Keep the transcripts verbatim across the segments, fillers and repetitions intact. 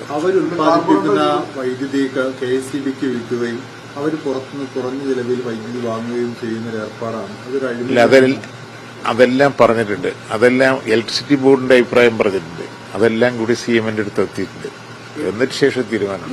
പറയാനുള്ളത്. അവർ ഉത്പാദിപ്പിക്കുന്ന വൈദ്യുതി കെ എസ് ഇ ബിക്ക് വിൽക്കുകയും അവർ പുറത്തുനിന്ന് കുറഞ്ഞ ചിലവിൽ വൈദ്യുതി വാങ്ങുകയും ചെയ്യുന്ന ഒരു ഏർപ്പാടാണ്. അതൊരു അതെല്ലാം പറഞ്ഞിട്ടുണ്ട്. അതെല്ലാം ഇലക്ട്രിസിറ്റി ബോർഡിന്റെ അഭിപ്രായം പറഞ്ഞിട്ടുണ്ട്. അതെല്ലാം കൂടി സി എമ്മിന്റെ അടുത്ത് എത്തിയിട്ടുണ്ട്. എന്നിട്ട് ശേഷം തീരുമാനം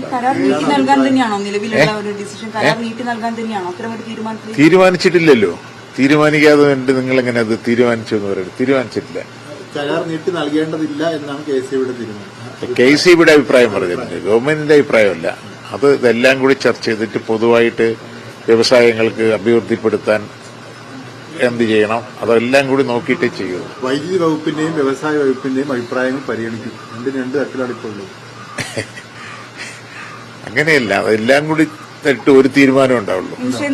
തീരുമാനിച്ചിട്ടില്ലല്ലോ. തീരുമാനിക്കാതെ വേണ്ടി നിങ്ങൾ എങ്ങനെ അത് തീരുമാനിച്ചു എന്ന് പറയുന്നത്? തീരുമാനിച്ചിട്ടില്ല. കരാർ നീട്ടി നൽകേണ്ടതില്ല എന്നാണ് കെ സി ബിയുടെ തീരുമാനം. കെ സി ബിയുടെ അഭിപ്രായം പറഞ്ഞിട്ടുണ്ട്. ഗവൺമെന്റിന്റെ അഭിപ്രായമല്ല. അത് ഇതെല്ലാം കൂടി ചർച്ച ചെയ്തിട്ട് പൊതുവായിട്ട് വ്യവസായങ്ങൾക്ക് അഭിവൃദ്ധിപ്പെടുത്താൻ എന്ത് ചെയ്യണം അതെല്ലാം കൂടി നോക്കിയിട്ടേ ചെയ്യൂ. വൈദ്യുതി വകുപ്പിന്റെയും വ്യവസായ വകുപ്പിന്റെയും അഭിപ്രായങ്ങൾ പരിഗണിക്കും. രണ്ടും രണ്ട് തരത്തിലാണ് ഇപ്പോൾ ഉള്ളത്. അങ്ങനെയല്ല, അതെല്ലാം കൂടി ഇട്ട് ഒരു തീരുമാനം ഉണ്ടാവുള്ളൂ.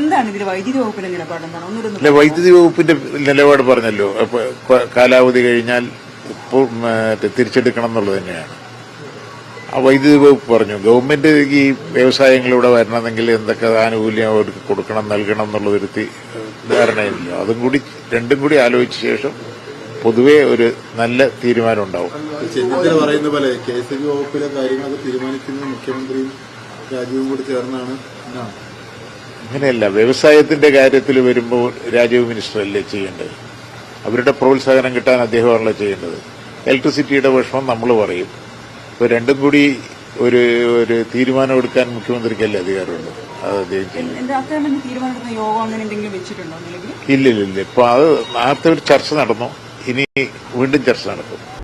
അല്ല, വൈദ്യുതി വകുപ്പിന്റെ നിലപാട് പറഞ്ഞല്ലോ. കാലാവധി കഴിഞ്ഞാൽ തിരിച്ചെടുക്കണം എന്നുള്ളത് തന്നെയാണ്. ആ വൈദ്യുതി വകുപ്പ് പറഞ്ഞു ഗവൺമെന്റ് ഈ വ്യവസായങ്ങളിലൂടെ വരണമെങ്കിൽ എന്തൊക്കെ ആനുകൂല്യം അവർക്ക് കൊടുക്കണം നൽകണം എന്നുള്ളതൊരു ധാരണയില്ല. അതും കൂടി രണ്ടും കൂടി ആലോചിച്ച ശേഷം പൊതുവെ ഒരു നല്ല തീരുമാനം ഉണ്ടാവും. ചെന്നിത്തല പറയുന്ന പോലെ കെ എസ് ഇ ബി വകുപ്പിലെ കാര്യങ്ങളൊക്കെ തീരുമാനിക്കുന്നത് മുഖ്യമന്ത്രിയും രാജീവും കൂടി ചേർന്നാണ്. അങ്ങനെയല്ല, വ്യവസായത്തിന്റെ കാര്യത്തിൽ വരുമ്പോൾ രാജീവ് മിനിസ്റ്ററല്ലേ ചെയ്യേണ്ടത്? അവരുടെ പ്രോത്സാഹനം കിട്ടാൻ അദ്ദേഹമാണല്ലോ ചെയ്യേണ്ടത്. ഇലക്ട്രിസിറ്റിയുടെ വിഷമം നമ്മൾ പറയും. ഇപ്പൊ രണ്ടും കൂടി ഒരു ഒരു തീരുമാനമെടുക്കാൻ മുഖ്യമന്ത്രിക്കല്ലേ അധികാരമുള്ളൂ. അത് അദ്ദേഹം ചെയ്യും. ഇല്ലില്ല. ഇപ്പൊ അത് നേരത്തെ ഒരു ചർച്ച നടന്നു. ഇനി വീണ്ടും ചർച്ച നടക്കും.